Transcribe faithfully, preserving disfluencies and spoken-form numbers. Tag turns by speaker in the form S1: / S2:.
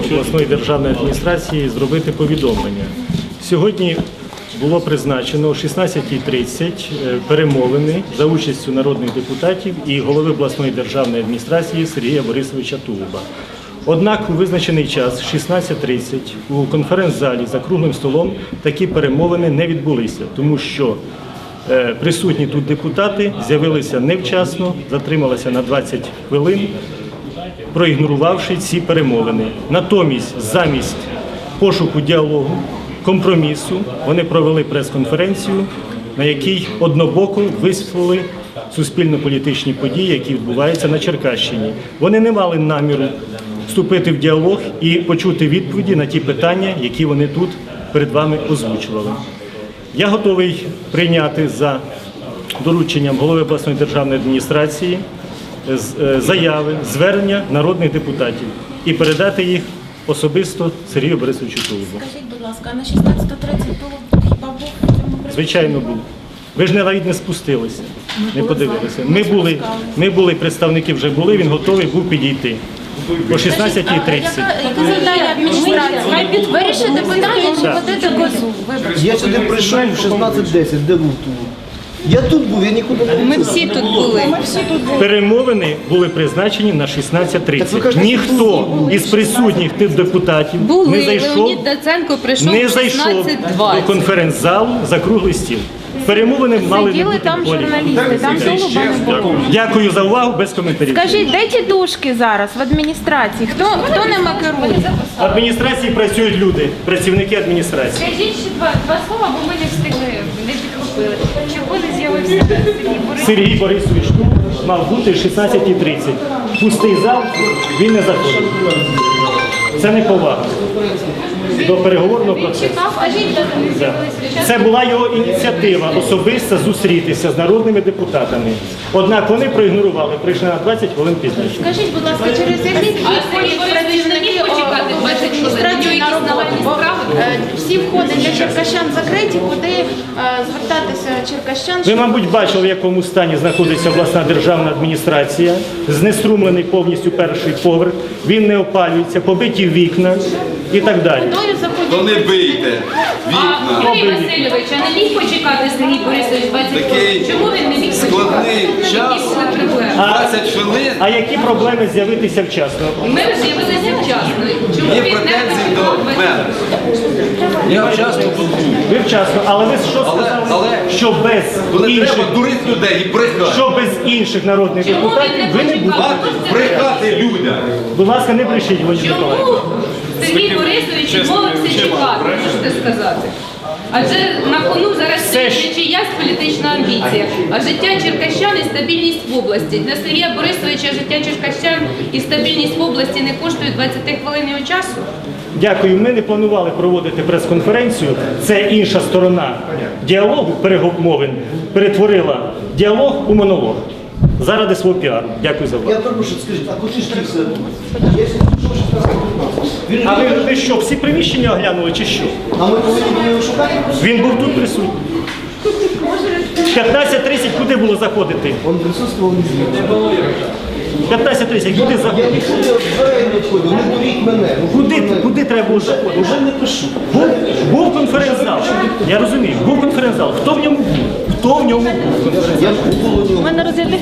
S1: обласної державної адміністрації зробити повідомлення. Сьогодні було призначено о шістнадцятій тридцять перемовини за участю народних депутатів і голови обласної державної адміністрації Сергія Борисовича Тулуба. Однак у визначений час, шістнадцята тридцять, у конференц-залі за круглим столом такі перемовини не відбулися, тому що е, присутні тут депутати з'явилися невчасно, затрималися на двадцять хвилин, проігнорувавши ці перемовини. Натомість, замість пошуку діалогу, компромісу, вони провели прес-конференцію, на якій однобоко висвітлили суспільно-політичні події, які відбуваються на Черкащині. Вони не мали наміру вступити в діалог і почути відповіді на ті питання, які вони тут перед вами озвучували. Я готовий прийняти за дорученням голови обласної державної адміністрації заяви, звернення народних депутатів і передати їх особисто Сергію Борисовичу Тулубу.
S2: Скажіть, будь ласка, на шістнадцяту тридцять Тулуб хіба був в цьому приміщенні?
S1: Звичайно, був. Ви ж навіть не спустилися, не подивилися. Ми були, ми були, представники вже були, він готовий був підійти. О шістнадцятій тридцять.
S2: Яке завдання адміністрації? Вирішити питання чи водити козу? Вибачте.
S3: Я сюди прийшов в шістнадцять десять, де був тут? Я тут був, я нікуди не був.
S4: Ми всі тут були.
S1: Перемовини були призначені на шістнадцять тридцять. Ніхто із присутніх тих депутатів
S4: Були.
S1: не зайшов,
S4: Леонід Даценко прийшов
S1: не
S4: в
S1: зайшов
S4: шістнадцять
S1: до
S4: двадцять.
S1: конференц-залу за круглий стіл. Перемовини мали не
S2: Сиділи
S1: бути
S2: там
S1: в полі.
S2: журналісти, там Тулуба не було.
S1: Дякую за увагу, без коментарів.
S2: Скажіть, де ті душки зараз в адміністрації? Хто, хто ними керує?
S1: В адміністрації працюють люди, працівники адміністрації.
S5: Скажіть ще два, два слова, бо ми не встигли, не підхопили. Чого не з'явився Сергій Борисович?
S1: Сергій Борисович тут мав бути в шістнадцятій тридцять. Пустий зал, він не заходив. Це не повага до переговорного процесу.
S5: Чекав, скажіть, де вони
S1: Да.
S5: з'явилися?
S1: Це була його ініціатива особисто зустрітися з народними депутатами. Однак вони проігнорували, прийшли на двадцять хвилин пізніше.
S2: Скажіть, будь ласка, через який вхід ходять працівники
S5: почекати двадцять хвилин?
S2: адміністрації на роботу?
S5: Нагальні
S2: Бо
S5: справи?
S2: е, всі входи для черкащан закриті, куди е, звертатися черкащан?
S1: Ви,
S2: щоб-
S1: мабуть, бачили, в якому стані знаходиться обласна державна адміністрація. Знеструмлений повністю перший поверх, він не опалюється, побиті вікна і так далі.
S2: Кудою заходять?
S6: То не бийте
S5: А
S6: вікна.
S5: Юрій Васильович, а не міг почекати Сергій Борисович двадцять
S6: Такий
S5: хвилин? Чому він не міг
S6: складний
S5: почекати?
S6: час.
S5: Які були проблеми?
S6: двадцять хвилин.
S1: А які проблеми з'явитися вчасно?
S5: Ми з'явилися вчасно. Чому
S6: Є
S5: він не
S6: претензії до
S5: почекав двадцять
S6: мене. Я часто тут був.
S1: Ви вчасно, але ви що
S6: Але-
S1: сказали?
S6: але-
S1: Що без
S6: Коли
S1: інших,
S6: треба дурити людей і брехати.
S1: що без інших народних
S5: Чому
S1: депутатів
S5: він не
S1: ви не
S5: почекав?
S1: будете.
S6: Мати брехати людям.
S1: Будь ласка, не брешіть, Володимир
S5: Чому
S1: Миколаївич.
S5: Сергій Борисович відмовився чекати, можете сказати? Адже на кону зараз
S1: Все ж-
S5: стоїть не чиясь політична амбіція, а життя черкащан і стабільність в області. Для Сергія Борисовича життя черкащан і стабільність в області не коштують двадцять хвилин його часу.
S1: Дякую. Ми не планували проводити прес-конференцію. Це інша сторона діалогу, перемовин, перетворила діалог у монолог. Заради свого піару. Дякую за увагу.
S3: Я торгую, що скажіть, а куди ж ті все? Я сьогодні прийшов шістнадцять п'ятнадцять. Він
S1: А
S3: же-
S1: ви, ви що, всі приміщення оглянули чи що?
S3: А ми повинні були його шукати?
S1: Він був тут присутній. п'ятнадцять тридцять куди було заходити?
S3: Він присутствував не звідти.
S1: п'ятнадцять тридцять куди
S3: Я
S1: заходити?
S3: нікуди в двері не входив, не дуріть мене. Ну,
S1: Куди,
S3: мене-
S1: куди треба було заходити?
S3: Уже не пишу.
S1: Був, був конференц-зал. Я розумію, був конференц-зал. Хто в ньому був? Хто в ньому був?
S3: Я в полоні.
S2: У мене розгляд